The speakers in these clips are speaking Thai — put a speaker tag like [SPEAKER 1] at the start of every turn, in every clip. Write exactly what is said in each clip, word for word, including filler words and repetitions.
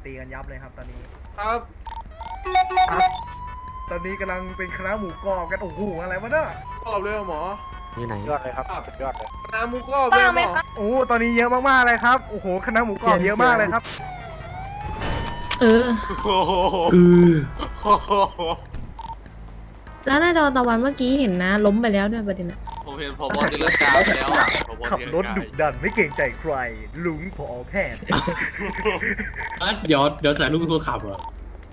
[SPEAKER 1] ตีกันยับเลยครับตอนนี้
[SPEAKER 2] ครับ
[SPEAKER 1] ตอนนี้กำลังเป็นคณะหมูกรอบกันโอ้โหอะไรวะเนี่ย
[SPEAKER 2] กรอบเลยเหรอหมอ
[SPEAKER 3] นี่ไหน
[SPEAKER 4] ยอดเลยครับสุดยอดเลย
[SPEAKER 2] น้ำหมูกรอบเลยหมอ
[SPEAKER 1] โอ้ตอนนี้เยอะมากๆเลยครับโอ้โหคณะหมูกรอบเยอะมากเลยครับ
[SPEAKER 5] เออ
[SPEAKER 2] โอ้โห
[SPEAKER 3] คือ
[SPEAKER 5] แล้วหน้าจอตะวันเมื่อกี้เห็นนะ ล้มไปแล้วด้วยประเด็นอะ
[SPEAKER 6] ผมเห็นพอบอลตีลังกาไปแล้วอะผบ
[SPEAKER 1] ขับรถดุดันไม่เกรงใจใครลุงพอแพทย์
[SPEAKER 3] อ่ะเดี๋ยวเดี๋ยวใส่ลูกเป็นคนขับเหรอ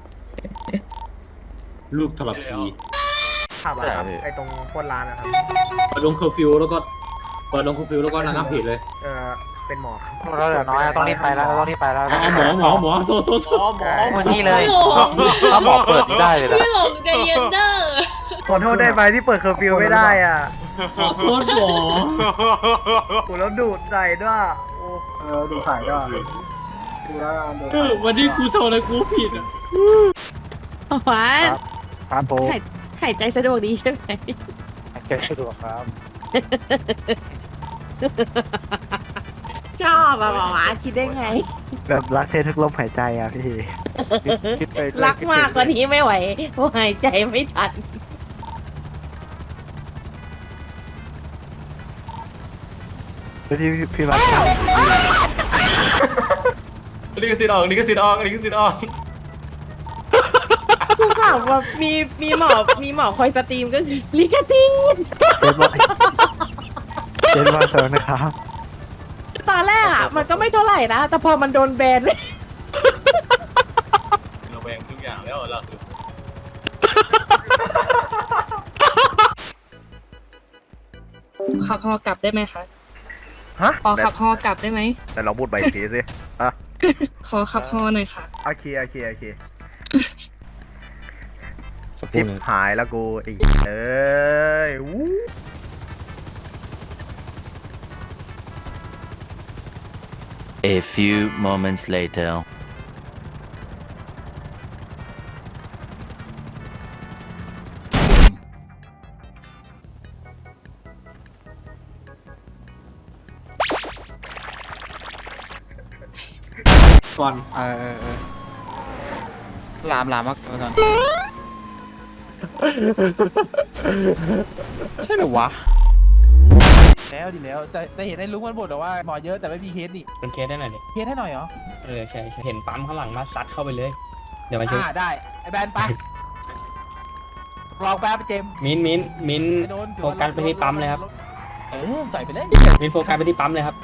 [SPEAKER 3] ลูกทรพี
[SPEAKER 1] ขับอะครับไอตรงโคนร้านนะครับ
[SPEAKER 3] เปิดลงเคอร์ฟิวแล้วก็เปิดลงเคอร์ฟิวแล้วก็ระงับเหตุเลย
[SPEAKER 1] เออเป็นหมอครับ
[SPEAKER 4] เราเหลือน้อยต้องรีบไปแล้วต้องรีบไปแล้ว
[SPEAKER 3] อ๋อหมอหมอหมอโทษโทษโท
[SPEAKER 2] หมอ
[SPEAKER 3] ษ
[SPEAKER 2] หมอ
[SPEAKER 4] วันนี้เลย
[SPEAKER 5] ไม่หลง
[SPEAKER 4] ถ้าหมอเปิดนี่ได้เลยนะ
[SPEAKER 5] ไม่หลงใจเย็นเด้อ
[SPEAKER 1] ขอโทษได้ไหมที่เปิดเคอร์ฟิวไม่ได้อ่ะ
[SPEAKER 3] ขอโทษหมอ
[SPEAKER 1] โอ้แล้วดูดใส่ด้วยโอ้
[SPEAKER 7] เออดูสายก็ดูแล้วดู
[SPEAKER 3] เออวันนี้กูทำอะไรกูผิดอ่ะ
[SPEAKER 5] หวาน
[SPEAKER 4] ครับผม
[SPEAKER 5] หายหายใจสะดวกดีใช่ไหม
[SPEAKER 4] เก็บสะดวกครับ
[SPEAKER 5] ชอบอะหวานคิดได้ไง
[SPEAKER 4] แบบรักเธอทุกลมหายใจอ่ะพี่คิดไป
[SPEAKER 5] รักมากกว่านี้ไม่ไหวเพราะหายใจไม่ทัน
[SPEAKER 4] ที่พี่มา
[SPEAKER 6] ลิขสิทธิ์ออกลิขสิทธิ์ออกลิขสิทธิ์ออก
[SPEAKER 5] กูข่าวว่ามีมีหมอมีหมอคอยสตรีมก็คือลิกาจิง
[SPEAKER 4] เจนว่าเจนว่าเซอร์นะครับ
[SPEAKER 5] ตอนแรกอะมันก็ไม่เท่าไหร่นะ แต่พอมันโดนแบนเลย
[SPEAKER 6] เราแบ่งทุกอย่างแล้วเราสุด
[SPEAKER 8] ขับฮอกลับได้ไหมคะ
[SPEAKER 1] ฮะ
[SPEAKER 8] ขอขับฮอกลับได้ไหม
[SPEAKER 1] แต่เราพูดไปอีกทีสิอ่ะ
[SPEAKER 8] ขอขับฮอหน่อยค่ะ
[SPEAKER 1] โอเคโอเคโอเคชิบหายแล้วกูไอ้เอ้ยวู้
[SPEAKER 9] A few moments later.
[SPEAKER 3] ก่อน
[SPEAKER 4] เออเออเออลามลามมากก่อนใช่หรือวะ
[SPEAKER 7] แล้วดีแล้วแต่แต่เห็นไอ้ลุงมันบ่นแต่ว่าหมอเยอะแต่ไม่มีเคสนี่
[SPEAKER 10] เป็นเคสได้หน่อยดิ
[SPEAKER 7] เคสให้หน่อยเหรอ
[SPEAKER 10] เออใช่ใช่เห็นปั๊มข้างหลังมาซัดเข้าไปเลย เดี๋ยวมาช่วย
[SPEAKER 7] อ่าได้ไอ้แบนไปลองแป๊บเจมส์
[SPEAKER 10] มิ้นท์มิ้นท์มิ้นท์
[SPEAKER 7] ไอ้โดน
[SPEAKER 10] โฟกัสไปที่ปั๊มเลยครับ
[SPEAKER 7] เออใส่ไปเลย
[SPEAKER 10] มิ้นท์โฟกัสไปที่ปั๊มเลยครับ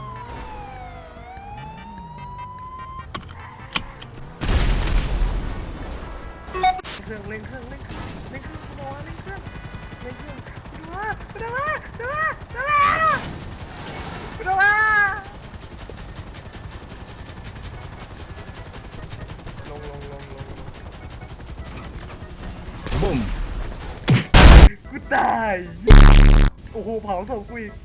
[SPEAKER 1] เครื่องเล่นเครื่องเล่นเครื่องเล่นเครื่องหมอเล่นเครื่องเล่นเครื่องดูว่าดูว่าดูว่าดูว่าดูว่าลงลงลงลงบุ้มกูตายโอ้โหเผาศพกูอีก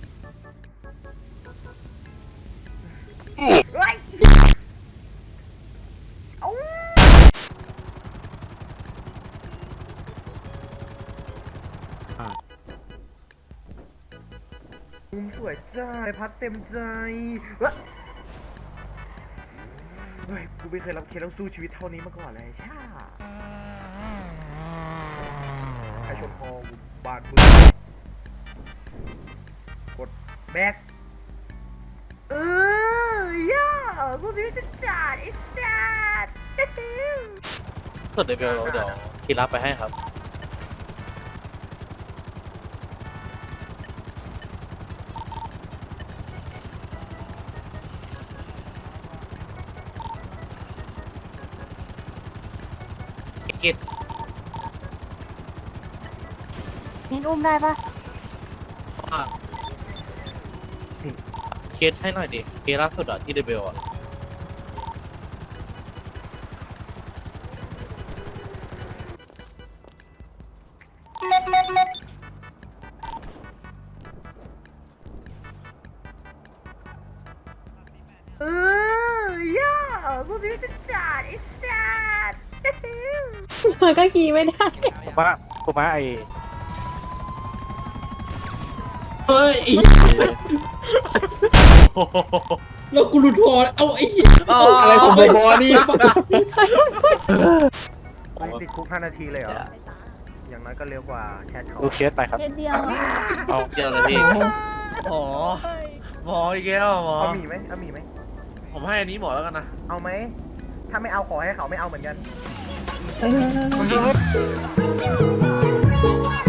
[SPEAKER 1] เฮ้ยเอ้ามุมสวยจ้าพัดเต็มใจเฮ้ยเฮ้ยกูไม่เคยรับเคสต้องสู้ชีวิตเท่านี้มาก่อนเลยช่าใครชนคอกูบาดมือกดแบ็คเออย่าสู้ชีวิตจะจัดไอ้สัส
[SPEAKER 4] ส่วนเดี๋ยวเดี๋ยวที่รับไปให้ครับกิด
[SPEAKER 5] เน้นอุ้มได้ปะ
[SPEAKER 4] เคสให้หน่อยดิเคสล่าสุดอะที่เดเบลอะ
[SPEAKER 1] เออย่าสู้ชีวิตจะจัดไอ้สัส
[SPEAKER 5] มันก็ขี่ไม่ได้
[SPEAKER 4] ผมว่าผมว่าไอ
[SPEAKER 3] เฮ้ยแล้วกูหลุดพอเอาไอ้
[SPEAKER 1] อ๋อ
[SPEAKER 3] อะไรของบอนี่
[SPEAKER 1] ไม่ติดคุกห้านาทีเลยเหรอ อย่างน้อยก็เร็วกว่าแคทเขา
[SPEAKER 4] ดูเคสไปครับ
[SPEAKER 8] เคสเดียว
[SPEAKER 4] เอาเดียวเลยพี่
[SPEAKER 2] หมอหมออีกแล้วหมอ
[SPEAKER 1] เอาหมีไหมเอาหมีไหม
[SPEAKER 2] ผมให้อันนี้หมอแล้วกันนะ
[SPEAKER 1] เอาไหม ถ้าไม่เอาขอให้เขาไม่เอาเหมือนกัน
[SPEAKER 8] เออ